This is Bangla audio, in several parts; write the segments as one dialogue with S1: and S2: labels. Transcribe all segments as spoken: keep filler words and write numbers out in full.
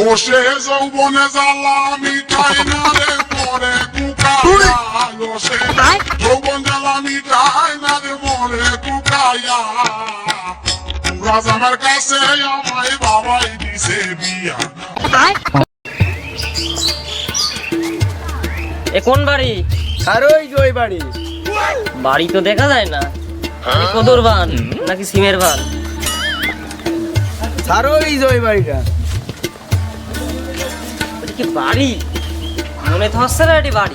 S1: ও সে যৌবনে জ্বালা মিঠাই না রে মরে কুকায়া ও সে যৌবন জ্বালা মিঠাই না রে মরে কুকায়া রাজামের কাছে আমায় বাবাই দিছে বিয়া।
S2: এ কোন বাড়ি?
S3: আর ওই যে ওই বাড়ি।
S2: বাড়ি তো দেখা যায় না, কদর বান নাকি সিমের বান?
S3: আর ওই যে ওই বাড়িটা।
S2: এটা কি বাড়ি? মনে তো হচ্ছে না এটি বাড়ি।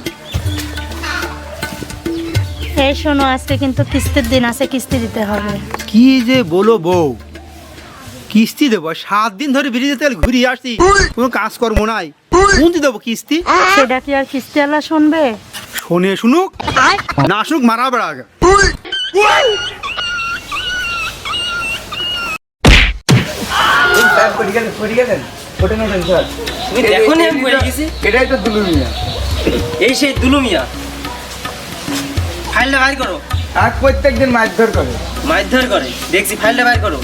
S4: এই শোনো, আজকে কিন্তু কিস্তির দিন আছে, কিস্তি দিতে হবে।
S5: কি যে বলো বউ, কিস্তি দেবো? সাত দিন ধরে ব্রিজে তেল ঘুরিয়ে আসছি, কোনো কাজকর্ম নাই, কোনটি দেবো কিস্তি?
S4: সেটা কি আর কিস্তিওয়ালা শুনবে?
S5: শোনে শুনুক, না শুনুক মারা বেড়া আগে।
S2: তুমি দেখো নি আমি পড়ে গেছি?
S3: এটাই তো দুলু মিয়া।
S2: এই সেই দুলু মিয়া। ফাইলটা বাইর করো।
S3: আর প্রত্যেকদিন মারধর করে।
S2: মারধর করে দেখছি, ফাইলটা বাইর করো।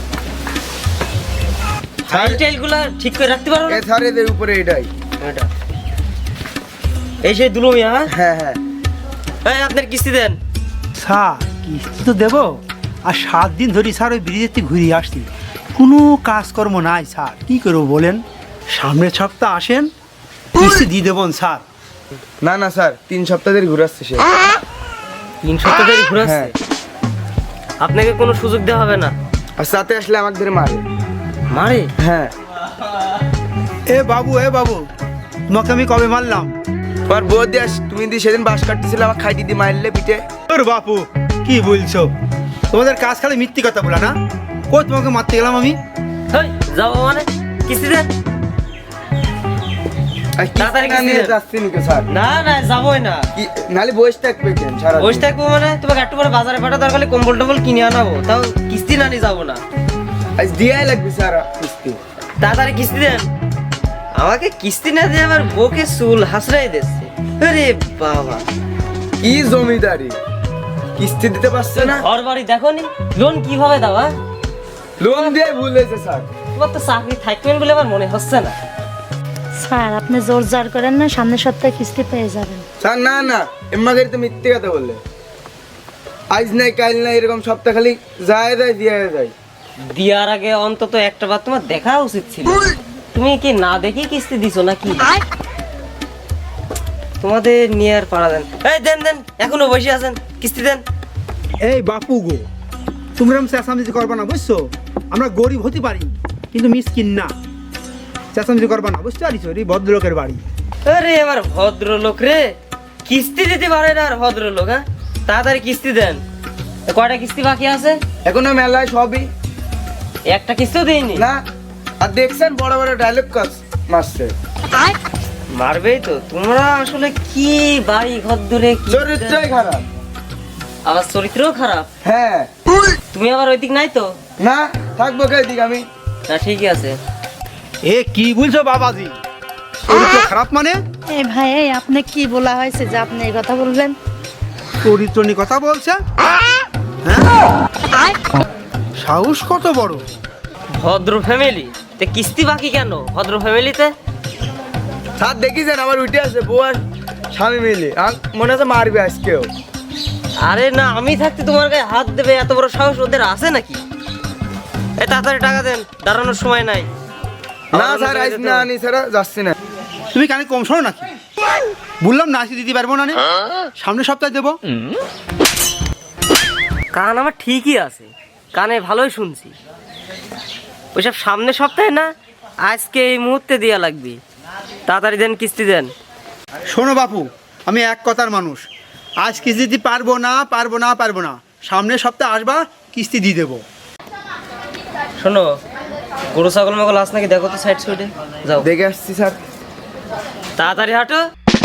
S2: ফাইল টাইলগুলো ঠিক করে রাখতে পারো না?
S3: এ ধরে এর উপরে এটাই।
S2: এটা এই সেই দুলু মিয়া।
S3: হ্যাঁ হ্যাঁ।
S2: এই আপনার কিস্তি দেন।
S5: স্যার কিস্তি তো দেবো, আর সাত দিন ধরে স্যার ওই ব্রিজের থেকে ঘুরিয়ে আসছি, কোনো কাজকর্ম নাই স্যার, কি করবো বলেন? সামনের সপ্তাহ আসেন, কিস্তি দিয়ে দেবেন স্যার।
S3: না না স্যার, তিন সপ্তাহ ধরে ঘুরাচ্ছে সে।
S2: তিন সপ্তাহ ধরে ঘুরাচ্ছে?
S3: হ্যাঁ।
S2: আপনাকে কোনো সুযোগ দেওয়া হবে না।
S3: আর সাথে আসলে আমাকে ধরে মারে।
S2: মারে?
S3: হ্যাঁ।
S5: এ বাবু, এ বাবু, তোমাকে আমি কবে মারলাম?
S3: তোমার বউ দিয়ে আস, তুমি দিয়ে সেদিন বাস কাটতেছিল, আমার খাই দিদি মারলে পিঠে।
S5: ওর বাপু কি বলছো? তোমাদের কাজ খালি মিথ্যে কথা বলা না? কই তোমাকে মারতে গেলাম আমি?
S2: হেই, যাবো মানে? কিস্তি দেন।
S3: আর কি
S2: তাড়াতাড়ি
S3: না
S2: কিস্তি
S3: নিয়ে
S2: দেন।
S3: যাচ্ছি নাকি স্যার?
S2: না না, যাবোই না।
S3: কি নালে বসে থাকবে কেন সারা?
S2: বসে থাকবো মানে? তোমাকে একটু পরে বাজারে পাঠা দরকার হলে কম্বল টম্বল কিনে আনাবো, তাও কিস্তি না নিয়ে যাবো না।
S3: আজ দিয়াই লাগবে স্যার কিস্তি।
S2: তাড়াতাড়ি কিস্তি দেন। আমাকে কিস্তি না দিয়ে আমার বউকে চুল হাসড়াই দিচ্ছে। আরে বাবা,
S3: কি জমিদারি, কিস্তি দিতে পারছে না?
S2: ঘর বাড়ি দেখো নি, লোন কিভাবে দেওয়া?
S3: লোন দিয়ে ভুল হয়েছে স্যার।
S2: তোমার তো চাকরি থাকবেন বলে আমার মনে হচ্ছে না।
S4: স্যার আপনি জোর জার করেন না, সামনের সপ্তাহে কিস্তি পেয়ে যাবেন।
S3: স্যার না না, এম্মাকে তো মিথ্যে কথা বললে। আজ নাই কাল নাই এরকম সপ্তাহ খালি যায় যায় দিয়ে যায়।
S2: দিয়ার আগে অন্তত একটা বার তোমার দেখা উচিত ছিল। তুমি কি না দেখি কিস্তি দিছো নাকি? তোমাদের নিয়ে আর পারা দেন। এই দেন দেন, এখনো বসে আছেন, কিস্তি দেন।
S5: এই বাপু গো, তোমরা চেঁচামেচি করবা না বুঝছো? আমরা গরিব হতে পারি কিন্তু মিসকিন না, চেঁচামেচি করবা না, বুঝতে পারিস? এই ভদ্রলোকের বাড়ি।
S2: আরে আমার ভদ্রলোক রে, কিস্তি দিতে পারে না আর ভদ্রলোক? হ্যাঁ, তাড়াতাড়ি কিস্তি দেন। এ কয়টা কিস্তি বাকি আছে?
S3: এখনো মেলায় সবই
S2: একটা কিস্তিও দিইনি।
S3: না। আর দেখছেন বড় বড় ডায়লগ কাজ মারছে।
S2: মারবেই তো। তোমরা আসলে কি বাড়ি ঘর ধরে কি
S3: চরিত্রই খারাপ।
S2: আবার চরিত্রও খারাপ।
S3: হ্যাঁ।
S2: তুমি আবার ওই দিক নাই তো?
S3: না থাকবো কে দিক আমি।
S2: না ঠিকই আছে।
S5: এ কি বলছো বাবাজি? চরিত্র খারাপ মানে?
S4: এই ভাই, এই আপনি কি বলা হয়েছে যে আপনি এই কথা বলবেন?
S5: চরিত্র নিয়ে কথা বলছে? হ্যাঁ? সাহস কত বড়!
S2: ভদ্র ফ্যামিলি তে কিস্তি বাকি কেন? ভদ্র ফ্যামিলিতে
S3: স্যার দেখিছেন আমার উঠে আছে বউ আর স্বামী মিলে, আর মনে হচ্ছে মারবে আজকেও।
S2: আরে না, আমি থাকতে তোমার গায়ে হাত দেবে এত বড় সাহস ওদের আছে নাকি? এই তাড়াতাড়ি টাকা দেন, দাঁড়ানোর সময় নাই।
S3: না স্যার আজ না আনি ছাড়া যাচ্ছি না।
S5: তুমি কানে কম শোনো নাকি? বললাম না আজকে দিতে পারবো না, নে। সামনের সপ্তাহে দেবো।
S2: কান আমার ঠিকই আছে, কানে ভালোই শুনছি। ওইসব সামনের সপ্তাহে না, আজকে এই মুহূর্তে দেয়া লাগবে। তাড়াতাড়ি দেন, কিস্তি দেন।
S5: শোনো বাপু, আমি এক কথার মানুষ, আজ কিস্তি দিতে পারবো না, পারবো না, পারবো না। সামনের সপ্তাহে আসবা, কিস্তি দিয়ে দেবো।
S2: শোনো, গরু ছাগল মাগল আস নাকি দেখো তো সাইড সাইডে। যাও,
S3: দেখে আসছি স্যার।
S2: তাড়াতাড়ি হাঁটো।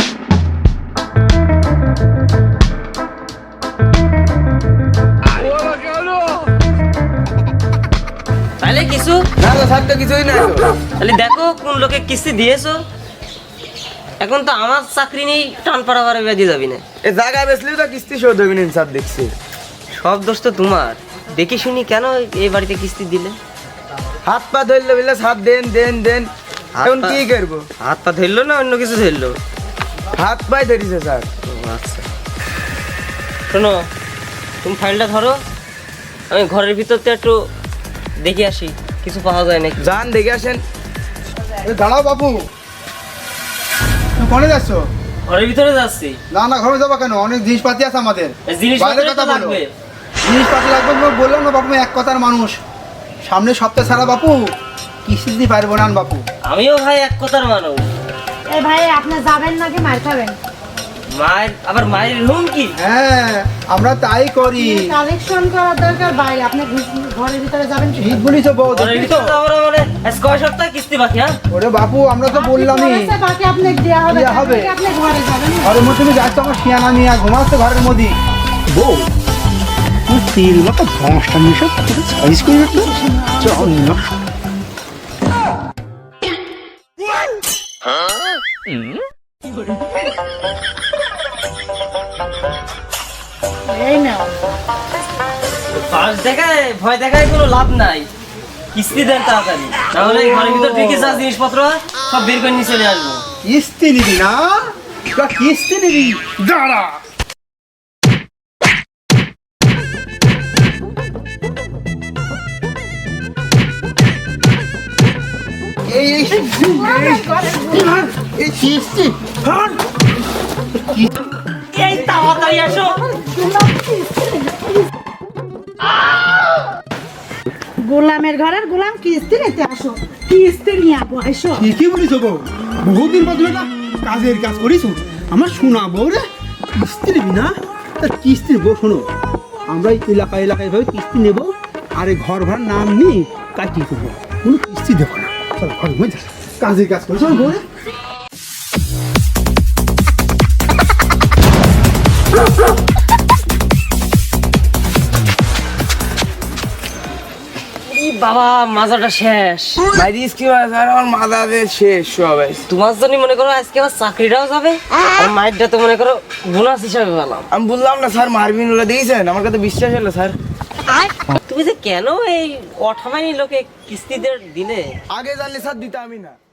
S2: তাহলে কিছু
S3: না না স্যার তো কিছুই নাই তো।
S2: তাহলে দেখো কোন লোকে কিস্তি দিয়েছো। এখন তো আমার চাকরি নেই, টান পাড়া বাড়া বেঁধে যাবি না।
S3: এ জায়গায় বেসলেও তো কিস্তি শোধ হবি না স্যার দেখছি।
S2: সব দোষ তো তোমার। দেখি শুনি কেন এই বাড়িতে কিস্তি দিলে?
S3: হাত পা ধরলে বললে স্যার দেন দেন দেন। এখন কি করবো?
S2: হাত পা ধরলো না অন্য কিছু ধরলো?
S3: হাত পায়ে ধরিছে স্যার।
S2: ও আচ্ছা, শোনো তুমি ফাইলটা ধরো, আমি ঘরের ভিতরতে একটু দেখে আসি কিছু পাওয়া যায় নাকি।
S3: যান দেখে আসেন।
S5: এ দাঁড়াও বাপু, তুমি কোনে যাচ্ছ?
S2: ঘরের ভিতরে যাচ্ছি।
S5: না না, ঘরে যাবো কেন? অনেক জিনিসপাতি আছে আমাদের।
S2: জিনিসপত্র
S5: বাইরে কথা
S2: তো
S5: বলো।
S2: লাগবে।
S5: জিনিসপাতি লাগবে তোমাকে বললাম না বাপু, আমি এক কথার মানুষ। সামনে সপ্তাহ ছাড়া বাপু কিস্তি দিতে পারবো না বাপু।
S2: আমিও ভাই এক কথার মানুষ।
S4: এই ভাই আপনি যাবেন নাকি মার খাবেন?
S2: মায়ের আবার মায়ের রুম কি?
S5: হ্যাঁ আমরা তাই করি।
S4: কালেকশন করার দরকার ভাই, আপনি ঘুষ- ঘরের ভিতরে যাবেন কি?
S5: ঠিক বলিস বউ,
S2: ঘরের
S5: দেখলি তো?
S2: ভিতরে যাবো না মানে আজ কয় সপ্তাহ কিস্তি বাকি? হ্যাঁ
S5: ওরে বাপু আমরা তো
S4: আপনি
S5: বললামই
S4: বলেছে বাকি আপনাকে দেয়া হবে,
S5: দেয়া হবে।
S4: তারপরে আপনি ঘরে যাবেন।
S5: ঘরের মধ্যে তুমি যাচ্ছ, আমার শিয়ানা নিয়ে ঘুমাচ্ছে ঘরের মধ্যে। বউ তুই তেল মতো ভংসটা মিশে সাইজ করে রাখলো। চল না
S4: এই নাও।
S2: পাঁচ দেখায় ভয় দেখায় কোনো লাভ নাই, কিস্তি দেন তাড়াতাড়ি, তাহলে এই ঘরের ভিতর ঠিকই যা জিনিসপত্র হয় সব বের করে নিয়ে চলে আসবো।
S5: কিস্তি নিবি না? তোরা কিস্তি নিবি? দাঁড়া। এই এই এই কিস্তি হার।
S2: এই তাড়াতাড়ি আসো।
S4: গোলামের ঘরের গোলাম কিস্তি নিতে আসো, কিস্তি নিয়ে আসো এসো।
S5: ঠিকই বলিস বউ, বহুদিন পর তুমি একটা কাজের কাজ করিস। আমার শোনা বউ রে, কিস্তি নিবি না? তা কিস্তি বউ শোনো, আমরা এই এলাকায় এলাকায় ভাবে কিস্তি নেবো, আর এই ঘর ভাড়ার নাম নিয়ে কাটিয়ে দেবো, কোনো কিস্তি দেবো না। চল ঘর ঘুমাই যা, কাজের কাজ করিস আমার বউ রে।
S2: এই বাবা মাজাটা শেষ।
S3: মাইরিস কি হয় স্যার, আমার মাথাতে শেষ সবাই।
S2: তোমার জন্য মনে করো আজকে আমার চাকরিটাও যাবে, আর মাইরটা তো মনে করো বোনাস হিসাবে পেলাম।
S3: আমি বললাম না স্যার মারবিন ওলা দিয়েছেন, আমার কাছে বিশ্বাস হলো স্যার।
S2: তুমি যে কেন এই অঠামানি লোকে কিস্তি দিয়ে দিলে?
S3: আগে জানলে স্যার দিতামই না।